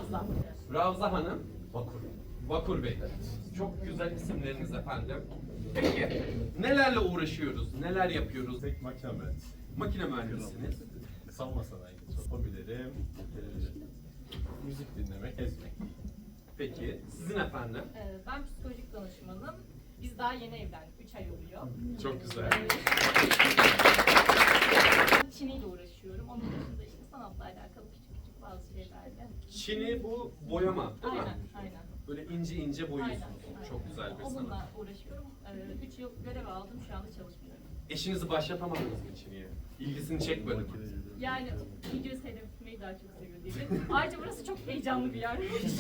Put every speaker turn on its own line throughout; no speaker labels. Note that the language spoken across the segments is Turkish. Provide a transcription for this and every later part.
Ravza.
Ravza Hanım. Vakur. Vakur Bey. Çok güzel isimleriniz efendim. Peki, nelerle uğraşıyoruz? Neler yapıyoruz?
Tek makine mühendisi.
Makine mühendisiniz.
Savunma sanayi. Hobilerim, müzik dinlemek, ezmek.
Peki, sizin efendim?
Ben psikolojik danışmanım. Biz daha yeni evlendik. 3 ay oluyor.
Çok güzel.
Çiniyle uğraşıyorum. Onun dışında işte sanatla alakalı küçük küçük bazı şeylerle.
Çini bu boyama değil mi?
Aynen.
Böyle ince ince boyuyorsunuz.
Aynen.
Çok güzel bir sanat.
Onunla uğraşıyorum. 3 yıl görev aldım. Şu anda çalışmıyorum.
Eşinizi başlatamadınız mı Çini'ye? İlgisini çekmedi mi?
Yani video seyretmeyi daha çok seviyor diye. Ayrıca burası çok heyecanlı bir yer.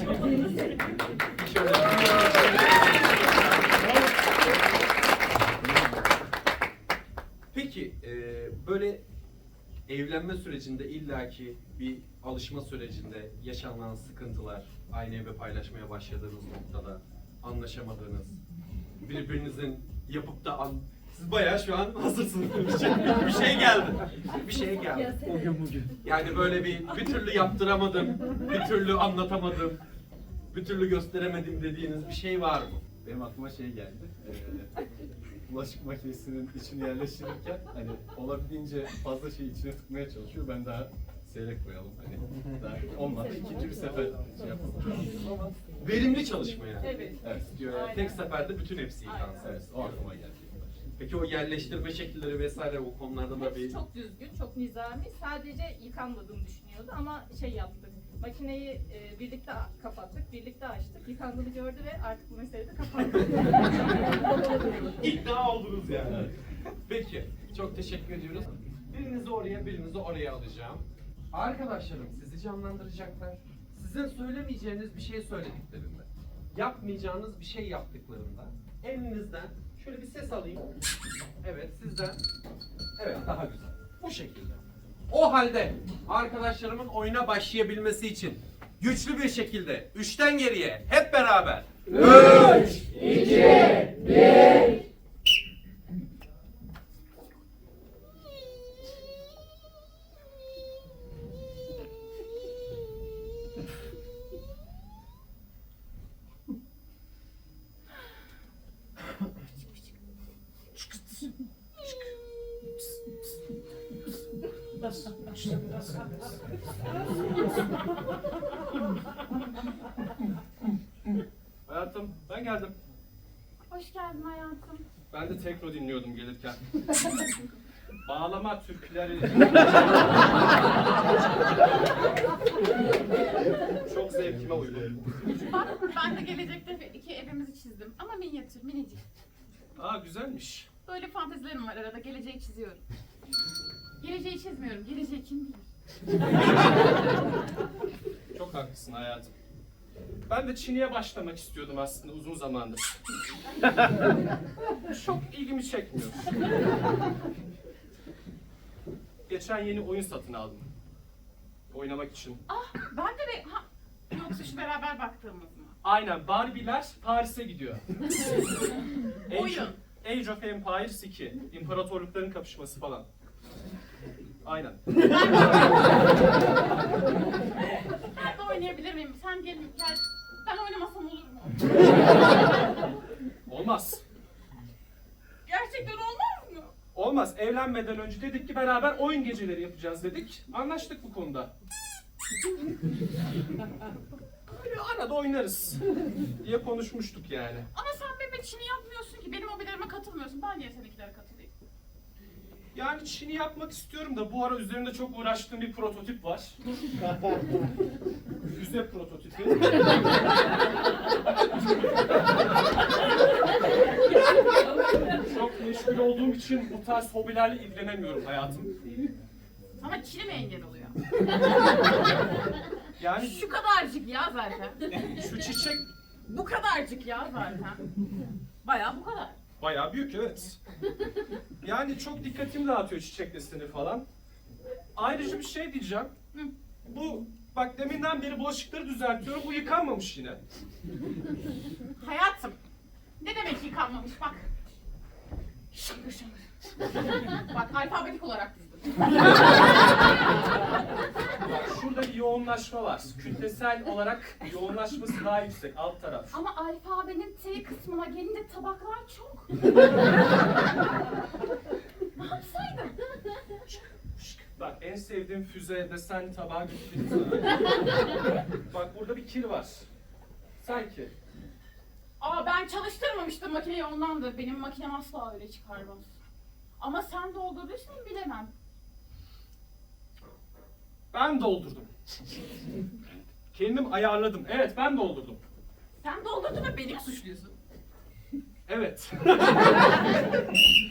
Peki, böyle evlenme sürecinde illaki bir alışma sürecinde yaşanan sıkıntılar, aynı evi paylaşmaya başladığınız noktada anlaşamadığınız, birbirinizin yapıp da siz bayağı şu an hazırsınız. Bir şey geldi. Bir şey geldi.
Bugün.
Yani böyle bir türlü yaptıramadım, bir türlü anlatamadım, bir türlü gösteremedim dediğiniz bir şey var mı?
Benim aklıma şey geldi. Bulaşık makinesinin içini yerleştirirken hani olabildiğince fazla şeyi içine tıkmaya çalışıyor. Ben daha seyrek koyalım. Hani daha olmadı. İkinci bir sefer şey yapalım. Ama
Verimli çalışma yani.
Evet.
evet.
Diyor yani,
Aynen.
tek seferde bütün hepsi yıkansın.
Evet, o aklıma geldi.
Peki o yerleştirme şekilleri vesaire o konularda da bir...
Hepsi çok düzgün, çok nizami. Sadece yıkanmadığını düşünüyordu ama şey yaptık. Makineyi birlikte kapattık, birlikte açtık. Yıkandığını gördü ve artık bu meseleyi de kapattık.
İkna oldunuz yani. Peki, çok teşekkür ediyoruz. Birinizi oraya, birinizi oraya alacağım. Arkadaşlarım sizi canlandıracaklar. Sizin söylemeyeceğiniz bir şey söylediklerinde, yapmayacağınız bir şey yaptıklarında, elinizden şöyle bir ses alayım. Evet, sizden. Evet, daha güzel. Bu şekilde. O halde arkadaşlarımın oyuna başlayabilmesi için güçlü bir şekilde 3'ten geriye hep beraber 3, 2, 1.
Hayatım, ben geldim.
Hoş geldin hayatım.
Ben de tekno dinliyordum gelirken. Bağlama türküleri. Çok zevkime uygun.
Bak ben de gelecekte 2 evimizi çizdim ama minyatür, minicik.
Aa güzelmiş.
Böyle fantezilerim var arada, geleceği çiziyorum. Geleceği çizmiyorum, geleceği kim bilir?
Çok haklısın hayatım. Ben de Çin'e başlamak istiyordum aslında uzun zamandır. Çok ilgimi çekmiyor. Geçen yeni oyun satın aldım. Oynamak için.
Ah ben de yoksa şu beraber baktığımız mı?
Aynen, Barbie'ler Paris'e gidiyor.
Oyun.
Age of Empires 2. İmparatorlukların kapışması falan. Aynen.
Ben de oynayabilir miyim? Sen gel, ben oynamasam olur mu?
Olmaz.
Gerçekten olmaz mı?
Olmaz. Evlenmeden önce dedik ki beraber oyun geceleri yapacağız dedik. Anlaştık bu konuda. Böyle arada oynarız diye konuşmuştuk yani.
Ama sen benim Çin'i yapmıyorsun ki, benim hobilerime katılmıyorsun. Ben niye seninkilere katılayım?
Yani Çin'i yapmak istiyorum da bu ara üzerinde çok uğraştığım bir prototip var. Füze prototipi. Çok meşgul olduğum için bu tarz hobilerle ilgilenemiyorum hayatım.
Sana Çin'i mi engel oluyor?
Yani
Şu kadarcık ya zaten.
şu çiçek
Bu kadarcık ya zaten. Bayağı bu kadar.
bayağı büyük, evet. Yani çok dikkatimi dağıtıyor çiçek deseni falan. Ayrıca bir şey diyeceğim. Bu bak deminden beri bulaşıkları düzeltiyorum. Bu yıkanmamış yine.
Hayatım. Ne demek yıkanmamış bak. Şıngır şıngır. Bak alfabetik olarak dizdim.
Bak şurada bir yoğunlaşma var. Kütlesel olarak yoğunlaşması daha yüksek alt taraf.
Ama alfabenin T kısmına gelince tabaklar çok. Ne yapsaydım?
Bak en sevdiğim füze desen tabağı götüreyim sana. Bak burada bir kir var. Sanki.
Aa ben çalıştırmamıştım makineyi ondandır. Benim makinem asla öyle çıkarmaz. Ama sen doldurduysan bilemem.
Ben doldurdum. Kendim ayarladım. Evet ben doldurdum.
Sen doldurdun ve beni mi suçluyorsun?
Evet.